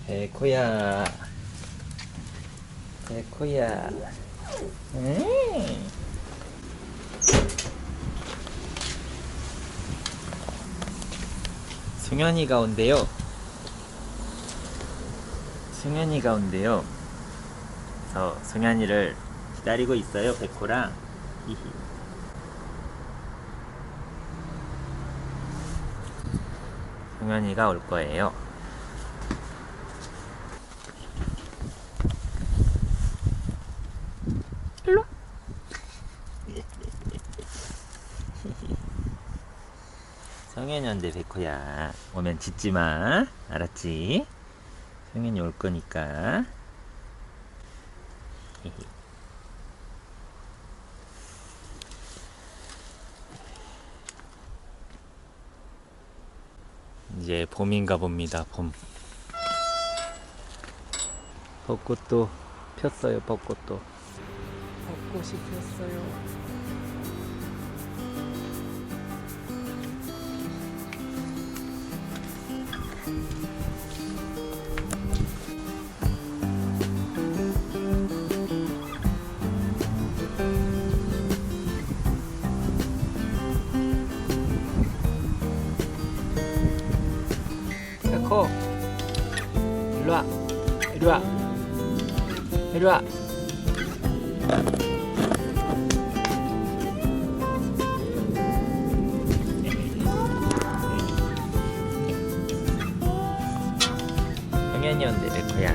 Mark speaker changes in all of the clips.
Speaker 1: 백호야, 백호야. 승현이가 온대요. 승현이가 온대요. 그래서 승현이를 기다리고 있어요, 백호랑. 히히. 승현이가 올 거예요. 일로. 성현이 온대, 백호야. 오면 짖지 마. 알았지? 성현이 올 거니까. 이제 봄인가 봅니다. 봄. 벚꽃도 폈어요. 벚꽃도.
Speaker 2: 벚꽃이 폈어요.
Speaker 1: 백호, 일로 와. 이리 와. 이리 와. 성현이 온대, 백호야.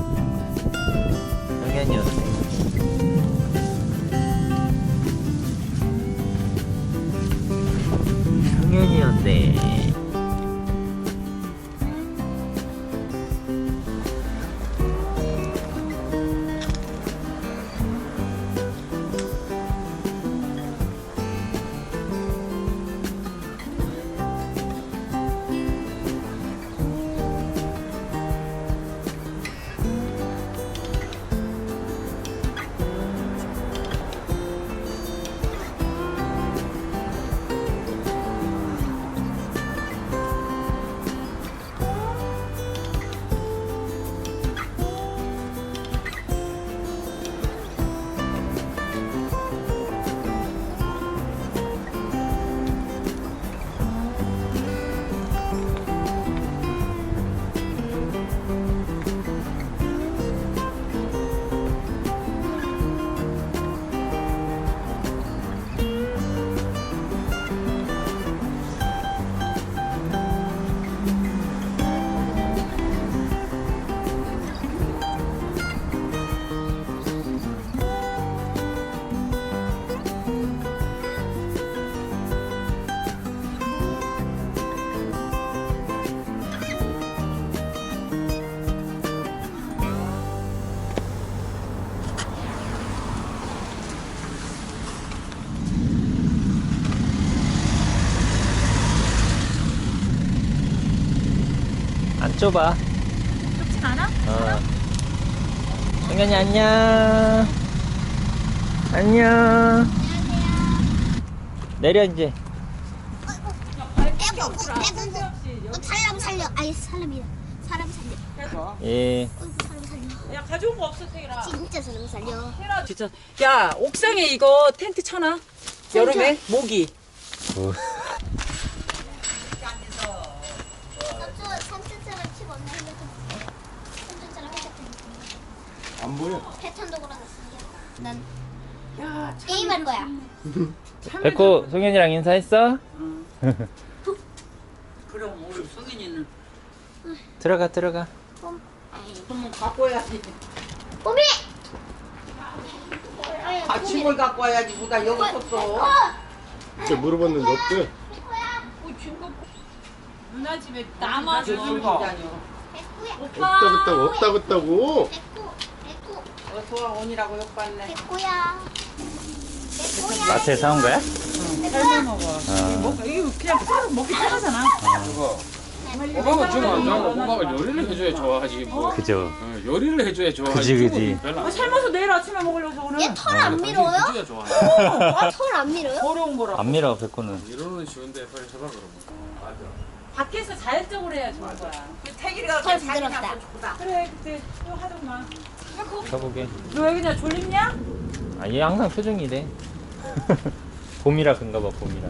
Speaker 1: 성현이 온대. 성현이 온대. 안 좁아.
Speaker 2: 좁지 않아?
Speaker 1: 성현이 안녕. 안녕. 내려 이제.
Speaker 3: 사람 살려. 아니 사람이야. 사람 살려.
Speaker 1: 예.
Speaker 3: 사람 살려.
Speaker 2: 야, 가져온 거 없어, 태일아.
Speaker 3: 진짜 사람 살려.
Speaker 2: 진짜. 야, 옥상에 이거 텐트 쳐놔. 여름에 모기.
Speaker 3: 삼촌처럼 치고 없나 삼촌처럼
Speaker 4: 안 보여.
Speaker 3: 패턴도 걸어놨으니까 난
Speaker 2: 야,
Speaker 3: 게임할 거야.
Speaker 1: 백호, 성현이랑 인사했어?
Speaker 2: 그럼 우리 성인이는
Speaker 1: 들어가, 들어가.
Speaker 2: 그러면 갖고 와야지.
Speaker 3: 뽀미!
Speaker 2: 아침을 갖고 와야지. 뭐다 여기 있었어.
Speaker 4: 그때 물어봤는데 없대.
Speaker 2: 누나 집에 남아서
Speaker 3: 백구야.
Speaker 4: 없다고.
Speaker 3: 백구.
Speaker 2: 어서 와 온이라고 욕받네.
Speaker 3: 백구야. 백구야.
Speaker 1: 마트에 사온 거야?
Speaker 2: 삶아 먹어. 이거 그냥 따로 먹기 편하잖아.
Speaker 5: 오빠가 좀 안 좋아하고 오빠가 요리를 해줘야 좋아하지 뭐.
Speaker 1: 그죠.
Speaker 5: 요리를 해줘야 좋아하지.
Speaker 1: 그지.
Speaker 5: 별로 안
Speaker 2: 삶아서 내일 아침에 먹으려고 오늘.
Speaker 3: 얘 털 안 밀어요?
Speaker 5: 해줘야 좋아해.
Speaker 3: 털 안 밀어요?
Speaker 2: 어려운 거라.
Speaker 1: 안 밀어, 백호는.
Speaker 5: 이러는 쉬운데 빨리 해봐 그러면.
Speaker 2: 밖에서 자연적으로 해야 좋은 거야. 태길이가
Speaker 3: 잘 부드럽다.
Speaker 2: 그래 그때 또 하더만.
Speaker 1: 가보게.
Speaker 2: 너 왜 그냥 졸립냐?
Speaker 1: 아, 얘 항상 표정이 이래. 봄이라 그런가 봐, 봄이라.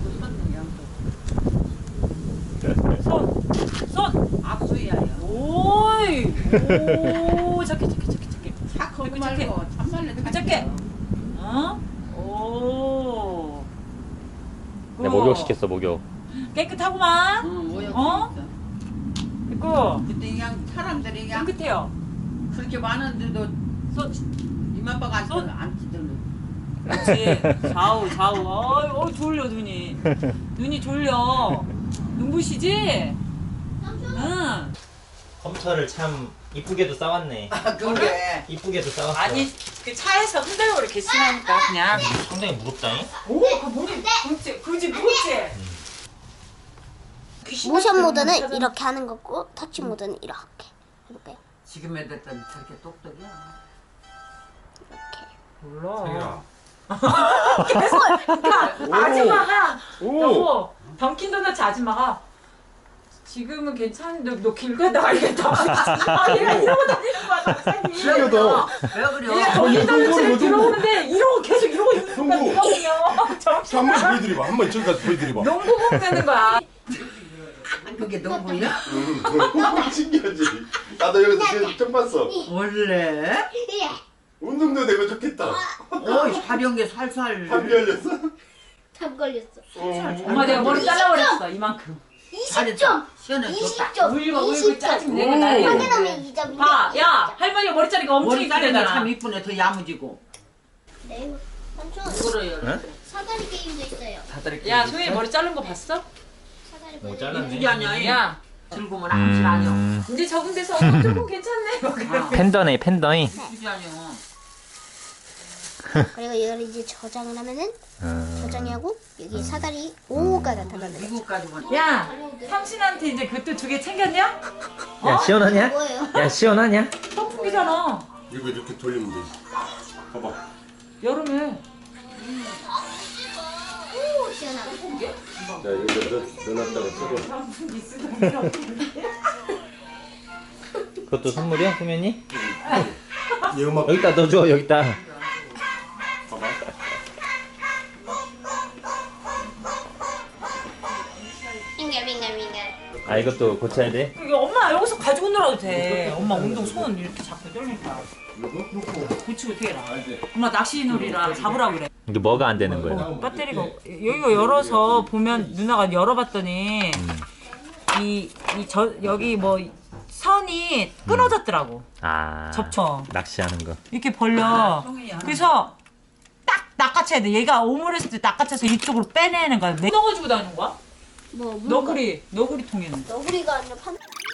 Speaker 2: 손.
Speaker 6: 악수야.
Speaker 2: 오이. 오 작게.
Speaker 6: 착하고 말고 참말로
Speaker 2: 작게. 어? 오.
Speaker 1: 내 목욕 시켰어, 목욕.
Speaker 2: 깨끗하구만.
Speaker 6: 뭐야?
Speaker 2: 어? 있고
Speaker 6: 근데 그냥 사람들이 그냥
Speaker 2: 깨끗해요.
Speaker 6: 그렇게 많은데도
Speaker 2: 손.
Speaker 6: 이마빠가 안
Speaker 2: 손.
Speaker 6: 안 찌들려.
Speaker 2: 그렇지. 좌우. 어이 졸려 눈이 졸려. 눈부시지? 응.
Speaker 1: 컴퓨터를 참 이쁘게도 싸왔네.
Speaker 6: 그래.
Speaker 1: 이쁘게도 싸왔어.
Speaker 2: 아니 그 차에서 흔들고 이렇게 쓰니까 그냥.
Speaker 1: 상당히 무겁다잉?
Speaker 2: 오, 그 머리 그지 무겁지.
Speaker 3: 모션 모드는 이렇게 하는 거고 터치 모드는 이렇게 해볼까요?
Speaker 6: 지금 애들은 저렇게 똑똑이야.
Speaker 3: 이렇게.
Speaker 2: 몰라. 계속 아줌마가
Speaker 4: 오.
Speaker 2: 여보 던킨 도넛 아줌마가 지금은 괜찮은데 너 길 가다 알겠다. 아 얘가 이러고 다니는 거야 갑자기.
Speaker 4: 신기하다.
Speaker 6: 왜 그래?
Speaker 2: 얘가 던킨 도넛을 들어오는데 이러고 계속 이러고 있는 거야.
Speaker 4: 형부.
Speaker 2: 이거군요. 정신
Speaker 4: 한 번씩 보여드려봐. 한 번 저기 가서 보여드려봐.
Speaker 2: 농구 공되는 거야.
Speaker 6: 그게 너무야?
Speaker 4: 신기하지? 나도 여기서 처음 봤어.
Speaker 6: 원래?
Speaker 3: 예.
Speaker 4: 운동도 되고 좋겠다.
Speaker 6: 사령에 살살.
Speaker 4: 감기 걸렸어?
Speaker 3: tab 걸렸어.
Speaker 2: 엄마 내가 머리 잘라버렸어 이만큼.
Speaker 3: 20점.
Speaker 6: 시원해 좋다.
Speaker 3: 20점.
Speaker 2: 울고 짜증 내고
Speaker 4: 오.
Speaker 2: 난리.
Speaker 3: 확인하면 2점.
Speaker 2: 봐, 야 할머니가 머리 자르기가 엄청
Speaker 6: 머리 자르니까
Speaker 2: 이쁘잖아.
Speaker 6: 참 이쁘네. 더 야무지고.
Speaker 3: 네. 삼촌
Speaker 6: 그래요.
Speaker 3: 사다리 게임도 있어요.
Speaker 2: 야 소희 머리 자른 거 봤어?
Speaker 3: 사다리
Speaker 1: 뭐
Speaker 3: 게임.
Speaker 1: 잘랐네.
Speaker 6: 이쁘지 않냐?
Speaker 2: 야
Speaker 6: 즐거우면 암실 아니야.
Speaker 2: 이제 적응돼서 조금 괜찮네.
Speaker 1: 팬더네, 팬더이.
Speaker 6: 이쁘지 않냐?
Speaker 3: 그리고 이걸 이제 저장을 하면은 저장이 하고 여기 사다리 5가 나타나는 거죠.
Speaker 6: 미국까지만.
Speaker 2: 야 삼신한테 이제 그것도 2개 챙겼냐?
Speaker 1: 야, 시원하냐?
Speaker 3: 뭐예요?
Speaker 1: 야, 시원하냐?
Speaker 2: 선풍기잖아.
Speaker 4: 이거 이렇게 돌리면 되지. 봐봐.
Speaker 2: 여름에.
Speaker 3: 오, 시원하다.
Speaker 4: 자, 여기다 넣어놨다가 쓰고.
Speaker 1: 그것도 선물이야, 소면이?
Speaker 4: 얘 음악
Speaker 1: 여기다 넣어줘, 여기다.
Speaker 4: 봐봐.
Speaker 3: 빙글빙글빙글.
Speaker 1: 아, 이것도 고쳐야 돼?
Speaker 2: 이게 엄마 여기서 가지고 놀아도 돼. 엄마 운동 손 이렇게 잡고 떨니까. 고치고 어떻게 해라. 엄마 낚시놀이라 잡으라 그래.
Speaker 1: 이게 뭐가 안 되는 거예요?
Speaker 2: 배터리가 여기가 열어서 보면 누나가 열어봤더니 여기 뭐 선이 끊어졌더라고.
Speaker 1: 아.
Speaker 2: 접쳐.
Speaker 1: 낚시하는 거.
Speaker 2: 이렇게 벌려. 그래서 딱 낚아채야 돼. 얘가 오므렸을 때 낚아채서 이쪽으로 빼내는 거야. 넣어가지고 다니는 거야?
Speaker 3: 뭐
Speaker 2: 너구리 통에는.
Speaker 3: 너구리가 아니라 판.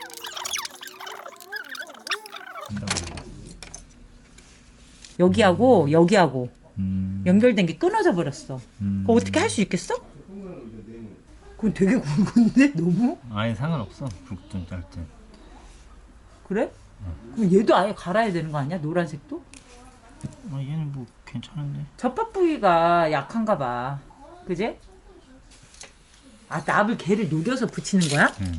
Speaker 2: 여기하고 연결된 게 끊어져 버렸어. 그거 어떻게 할 수 있겠어? 그건 되게 굵은데 너무?
Speaker 1: 아니, 상관없어. 굵든 짧든.
Speaker 2: 그래? 그럼 얘도 아예 갈아야 되는 거 아니야? 노란색도?
Speaker 1: 아, 얘는 뭐 괜찮은데.
Speaker 2: 접합 부위가 약한가 봐. 그제? 아, 납을 걔를 녹여서 붙이는 거야?
Speaker 1: 응.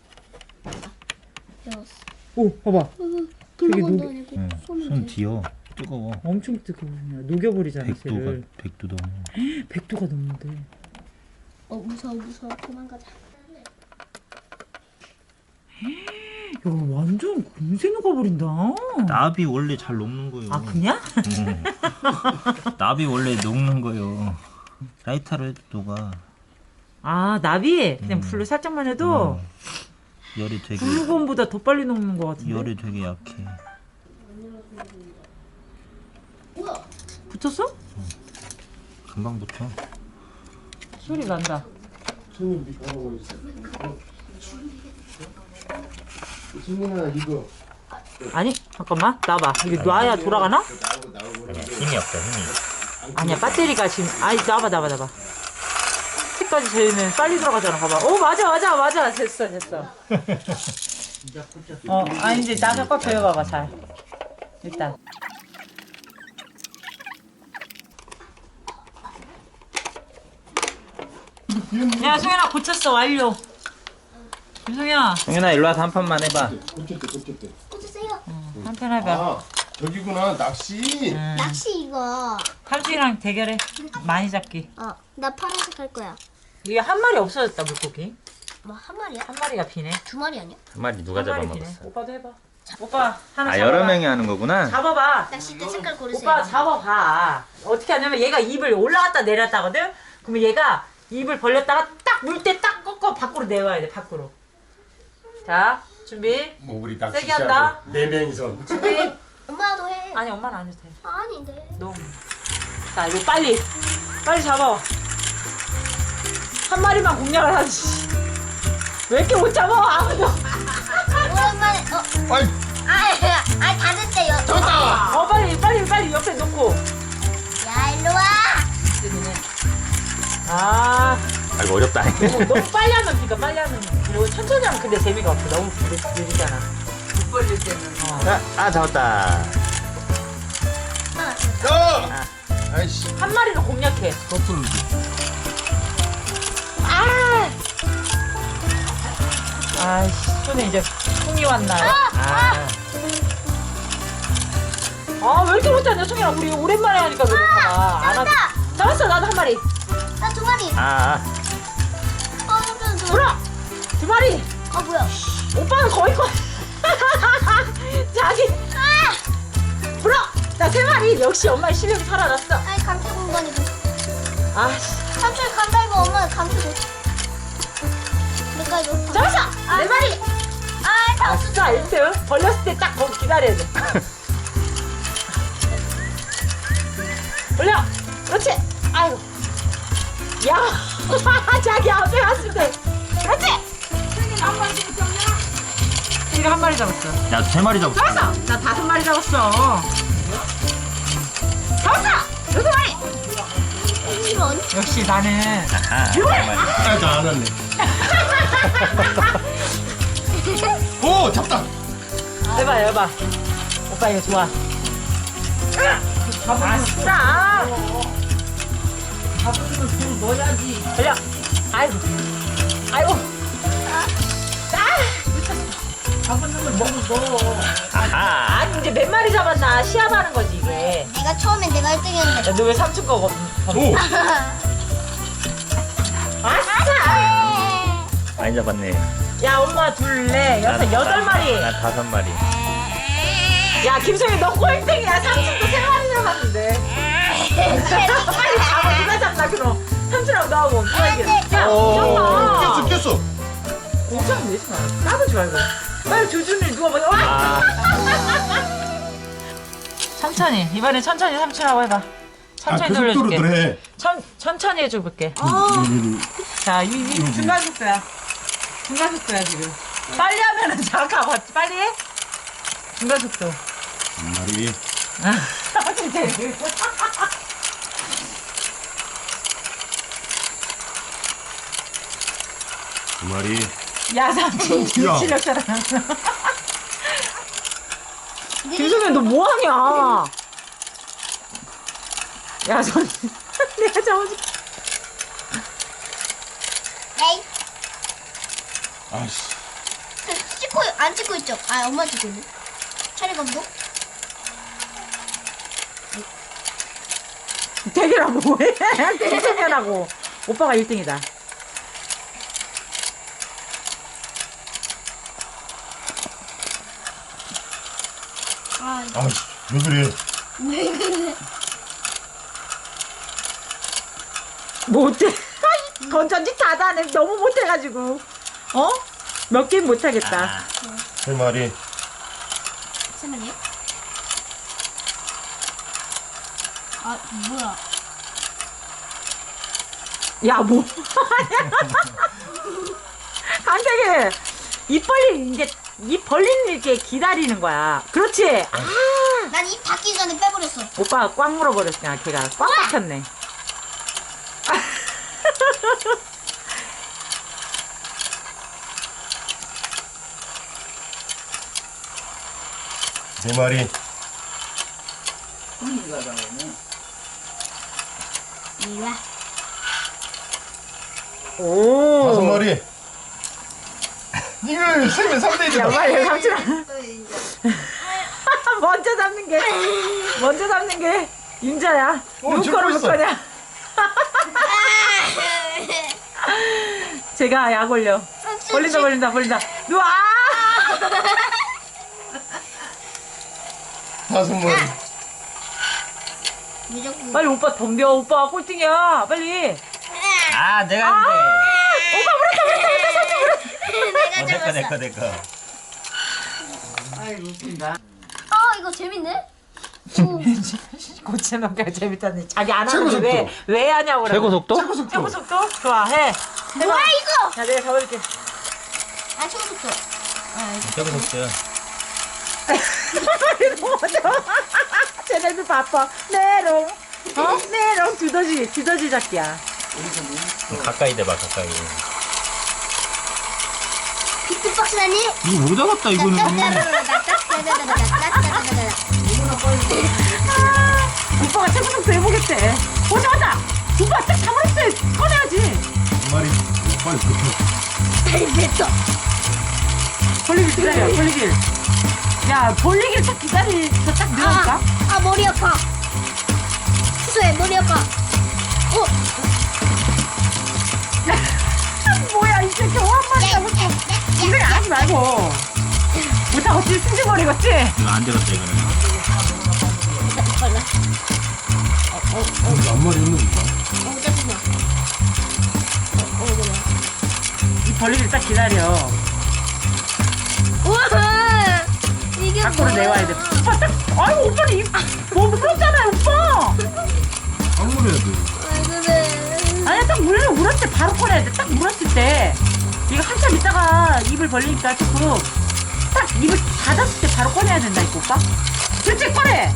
Speaker 3: 배웠어.
Speaker 2: 오, 봐봐.
Speaker 3: 긁는
Speaker 2: 녹-
Speaker 3: 것도 아니고
Speaker 1: 응.
Speaker 3: 손을
Speaker 1: 손 뒤어. 뜨거워.
Speaker 2: 엄청 뜨거워. 녹여버리잖아, 쟤를.
Speaker 1: 100도 넘어.
Speaker 2: 100도가 넘는데.
Speaker 3: 무서워 도망가자.
Speaker 2: 야, 완전 금세 녹아버린다.
Speaker 1: 납이 원래 잘 녹는 거요.
Speaker 2: 아, 그냥?
Speaker 1: 납이 원래 녹는 거요. 라이터로 해도 녹아.
Speaker 2: 아, 납이 그냥 불로 살짝만 해도
Speaker 1: 열이 되게
Speaker 2: 불고온보다 더 빨리 녹는 것 같은데.
Speaker 1: 열이 되게 약해.
Speaker 2: 붙였어?
Speaker 1: 금방 붙어.
Speaker 2: 소리 난다.
Speaker 4: 손님 가고 있어. 승민아 이거.
Speaker 2: 아니, 잠깐만. 놔봐. 이거 놔야 돌아가나?
Speaker 1: 아니야, 힘이 없다, 힘이.
Speaker 2: 아니야, 배터리가 지금. 아니, 놔봐. 끝까지 재면 빨리 들어가잖아. 봐봐. 오, 맞아. 됐어. 이제 나가 꽉 조여봐봐, 잘. 일단. 야, 소연아, 고쳤어. 완료. 김성현
Speaker 1: 성현아 일로 와서 한 판만 해봐.
Speaker 4: 꽂혔대.
Speaker 3: 꽂으세요.
Speaker 2: 한 편 해봐.
Speaker 4: 아, 저기구나, 낚시.
Speaker 3: 낚시 이거.
Speaker 2: 삼촌이랑 대결해. 많이 잡기.
Speaker 3: 나 파란색 할 거야.
Speaker 2: 이게 한 마리 없어졌다 물고기.
Speaker 3: 뭐 한 마리야?
Speaker 2: 한 마리가 비네.
Speaker 3: 두 마리 아니야?
Speaker 1: 한 마리 누가
Speaker 2: 한 마리 비네.
Speaker 1: 잡아먹었어?
Speaker 2: 오빠도 해봐. 오빠 하나
Speaker 1: 아
Speaker 2: 잡아봐.
Speaker 1: 여러 명이 하는 거구나.
Speaker 2: 잡아봐.
Speaker 3: 낚싯대 색깔 고르세요.
Speaker 2: 오빠 잡아봐. 어떻게 하냐면 얘가 입을 올라갔다 내렸다 하거든? 그러면 얘가 입을 벌렸다가 딱 물 때 딱 꺾어 밖으로 내와야 돼, 밖으로. 자, 준비.
Speaker 4: 뭐 우리 낚시
Speaker 2: 세게 한다.
Speaker 4: 네 명이서.
Speaker 2: 준비.
Speaker 3: 엄마도 해.
Speaker 2: 아니, 엄마는 안 해도 돼.
Speaker 3: 아닌데.
Speaker 2: 너무. 자, 이거 빨리. 빨리 잡아. 한 마리만 공략을 하지. 왜 이렇게 못 잡아? 아무도.
Speaker 3: 오랜만에.
Speaker 4: 아이,
Speaker 3: 다 됐대요.
Speaker 2: 빨리 옆에 놓고.
Speaker 3: 야 일로 와.
Speaker 2: 아,
Speaker 1: 이거 어렵다.
Speaker 2: 너무 빨리 하면 그러니까 빨리 하면. 그리고 천천히 하면 근데 재미가 없어. 너무 느리잖아.
Speaker 6: 못 벌릴 때는.
Speaker 1: 잡았다.
Speaker 4: 아이씨.
Speaker 2: 한 마리로 공략해.
Speaker 4: 거꾸로.
Speaker 2: 아이씨, 손에 이제 송이 왔나. 왜 이렇게 못하냐, 송이야. 우리 오랜만에 하니까 그래. 안 하... 잡았어, 나도 한 마리.
Speaker 3: 나 두 마리.
Speaker 2: 불어! 두 마리!
Speaker 3: 뭐야?
Speaker 2: 오빠는 거의 자기. 불어! 나 세 마리. 역시 엄마의 실력이 살아났어.
Speaker 3: 아니 감초 공간이고.
Speaker 2: 아씨.
Speaker 3: 삼촌 감달고 엄마 감초고. 내가 이거.
Speaker 2: 잡았어! 네 마리! 아, 진짜 1등. 벌렸을 때 딱 거기 기다려야 돼. 올려! 그렇지! 아이고. 야! 자기 앞에 왔을 때. 그렇지! 이거 한 마리 잡았어.
Speaker 1: 야 3마리 잡았어.
Speaker 2: 잡았어! 나 5마리 잡았어. 잡았어! 6마리!
Speaker 3: 이런.
Speaker 2: 역시 나는.
Speaker 1: 아,
Speaker 4: 나안 왔네. 오, 잡다.
Speaker 2: 해봐. 오빠 이거 좋아. 아싸!
Speaker 6: 잡으면 돈 넣어야지.
Speaker 2: 걸려. 아이고.
Speaker 6: 잡으면 돈 넣어.
Speaker 2: 아니 이제 몇 마리 잡았나 시합하는 거지 이게.
Speaker 3: 내가 처음엔 내가 1등이었는데.
Speaker 2: 너 왜 삼촌 거
Speaker 4: 오.
Speaker 2: 아싸!
Speaker 1: 많이 잡았네.
Speaker 2: 야 엄마 둘레 여섯 8마리.
Speaker 1: 나 5마리.
Speaker 2: 야 김성희 너 꼴등이야. 삼촌도 3마리 잡았는데. 빨리 잡아. 누가 잡나 그럼. 삼촌하고 너하고 누가 이겨. 야 이겼나.
Speaker 4: 꼈어.
Speaker 2: 공짜면 내지 마. 까불지 말고. 빨리 조준이 누가 먼저 와. 천천히 이번에 천천히 삼촌하고 해봐. 천천히 돌려줄게.
Speaker 4: 해.
Speaker 2: 천천히 해줘볼게. 자, 이 중간 속도야. 중간 속도야 지금. 빨리 하면은 잠깐 봤지. 빨리 해. 중간 속도.
Speaker 4: 말이.
Speaker 2: 진짜.
Speaker 4: 두 마리.
Speaker 2: 야 삼촌 실력 잘하. 김수민 너 뭐하냐? 야 손. 내가 잡아줄게.
Speaker 3: 에이.
Speaker 4: 아이씨.
Speaker 3: 찍고 안 찍고 있죠? 엄마 찍고 있네. 차례 감독.
Speaker 2: 대결하고 뭐해? 김수민하고 오빠가 1등이다.
Speaker 4: 아이씨, 왜 그래?
Speaker 2: 못해. 건전지 다다네. 너무 못해가지고. 몇 게임 못하겠다.
Speaker 4: 세 마리.
Speaker 3: 잠깐만요. 뭐야?
Speaker 2: 야, 뭐. 강태기 입 벌리는 이렇게 기다리는 거야. 그렇지.
Speaker 3: 난 입 닫기 전에 빼버렸어.
Speaker 2: 오빠가 꽉 물어버렸으니까 걔가 꽉 막혔네.
Speaker 4: 세 마리.
Speaker 3: 이리 와.
Speaker 4: 다섯
Speaker 2: 오.
Speaker 4: 마리. 이걸 세면 3대1이다.
Speaker 2: 야 빨리 삼촌아. 먼저 잡는 게 임자야. 누구
Speaker 4: 지금
Speaker 2: 거로 볼
Speaker 4: 있어.
Speaker 2: 거냐? 제가 약 올려. 벌린다. 누워.
Speaker 4: 다섯 마리.
Speaker 3: 무조건.
Speaker 2: 빨리 오빠 덤벼. 오빠 꼴등이야. 빨리.
Speaker 1: 아, 내가 했는데.
Speaker 3: 내가 잡았어.
Speaker 1: 내꺼.
Speaker 6: 아이 웃긴다.
Speaker 3: 이거 재밌네.
Speaker 2: 고체만큼 재밌다니. 자기 안
Speaker 4: 최고
Speaker 2: 하는데
Speaker 4: 속도.
Speaker 2: 왜 하냐고 그래.
Speaker 1: 최고 속도?
Speaker 2: 최고 속도? 좋아 해.
Speaker 3: 뭐야 이거?
Speaker 2: 자 내가 잡아줄게.
Speaker 3: 아 최고 속도.
Speaker 1: 최고 속도야.
Speaker 2: 쟤네들 바빠. 메롱. 메롱 두더지 잡기야.
Speaker 1: 가까이 대봐, 가까이.
Speaker 3: 비트박스라니?
Speaker 1: 이거 못 잡았다, 이거는.
Speaker 2: 오빠가 최고 속도 해보겠대. 오자. 오빠 딱 잡았을 때 꺼내야지.
Speaker 4: 두 마리. 빨리 붙어.
Speaker 3: 됐어.
Speaker 2: 벌리길 기다려. 벌리길. 야 벌리길 딱 기다리서 딱 늘어올까?
Speaker 3: 머리 아파. 수소해 머리 아파.
Speaker 2: 뭐야 이 새끼 한 마리야. 이걸 하지 말고. 못하겠지? 승질머리겠지?
Speaker 1: 이거 안 되겠다, 이거는.
Speaker 4: 몇 마리 있는 거야?
Speaker 3: 잠깐만.
Speaker 2: 이 벌리길 딱 기다려.
Speaker 3: 우와 이게
Speaker 2: 밖으로 내와야 돼. 오빠 딱. 아유 오빠는 몸 풀었잖아요 오빠.
Speaker 4: 방문해야 돼.
Speaker 3: 왜 그래?
Speaker 2: 아니야 딱 물을 때 바로 꺼내야 돼. 딱 물었을 때 이거 한참 있다가 입을 벌리니까 조금 딱 입을 닫았을 때 바로 꺼내야 된다니까 오빠. 그렇지 꺼내.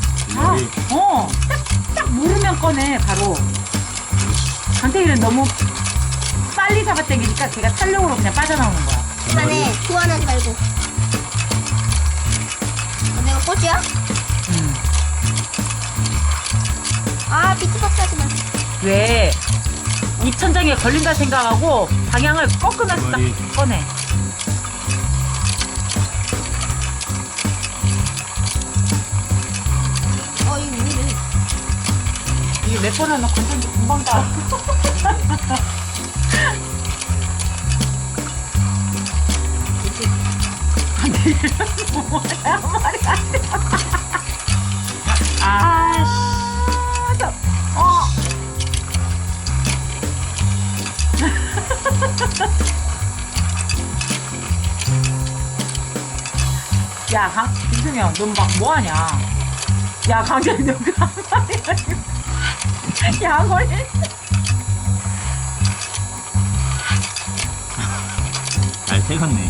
Speaker 2: 딱 물으면 꺼내 바로. 강태일은 너무 빨리 잡아당기니까 걔가 탄력으로 그냥 빠져나오는 거야.
Speaker 3: 그만해. 교환하지 말고. 내가 꽃이야? 비트박스 하지 마.
Speaker 2: 왜? 입천장에 걸린다 생각하고 방향을 꺾으면서 딱
Speaker 4: 머리.
Speaker 2: 꺼내.
Speaker 3: 이거 왜 이래?
Speaker 2: 이게 몇 번을 넣고 건전지 금방 가. 뭐야 말이 안 돼. 야, 김수명, 넌 막 뭐하냐? 야, 강재이, 너 가만히 야, 거리.
Speaker 1: 잘 태웠네.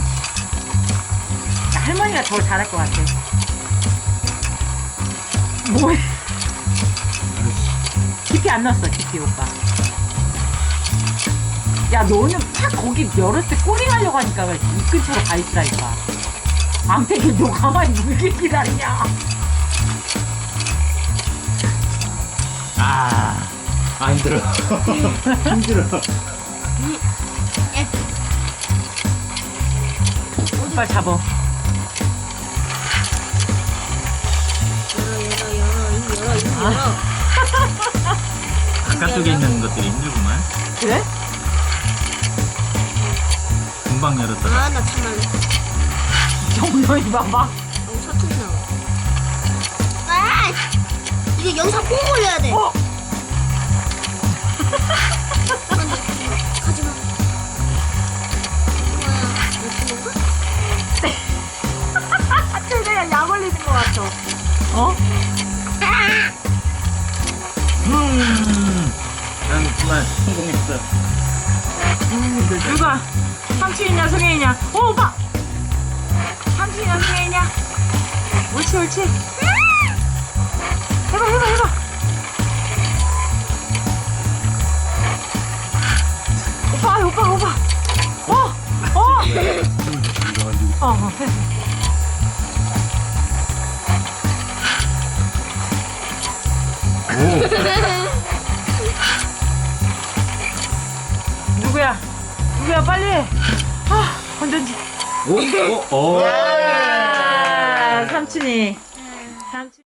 Speaker 2: 할머니가 더 잘할 것 같아. 뭐해? 깊이 안 넣었어, 깊이 오빠. 야, 너는 탁 거기 열었을 때 꼬리 가려고 하니까 이 근처로 가 있으라니까. 앙태기 너 가만히 물길 기다리냐?
Speaker 1: 힘들어. 힘들어.
Speaker 2: 빨리 잡어.
Speaker 3: 열어.
Speaker 1: 바깥쪽에 있는 것들이 힘들구만.
Speaker 2: 그래?
Speaker 1: 금방 열었다가.
Speaker 3: 나 참말로.
Speaker 2: 정면이 봐봐.
Speaker 3: 사투리 나와. 이거 영상 꼭 올려야 돼. 가지마.
Speaker 2: 최대한 약 올리는 것 같아.
Speaker 1: 난 그만 성공했어.
Speaker 2: 누가? 삼촌이냐, 송혜이냐? 오빠! 삼촌이냐, 송혜이냐? 옳지. 해봐. 오빠. 해. 누구야 빨리. 건전지.
Speaker 4: 오, 오, 오.
Speaker 2: 야, 삼촌이. 삼촌.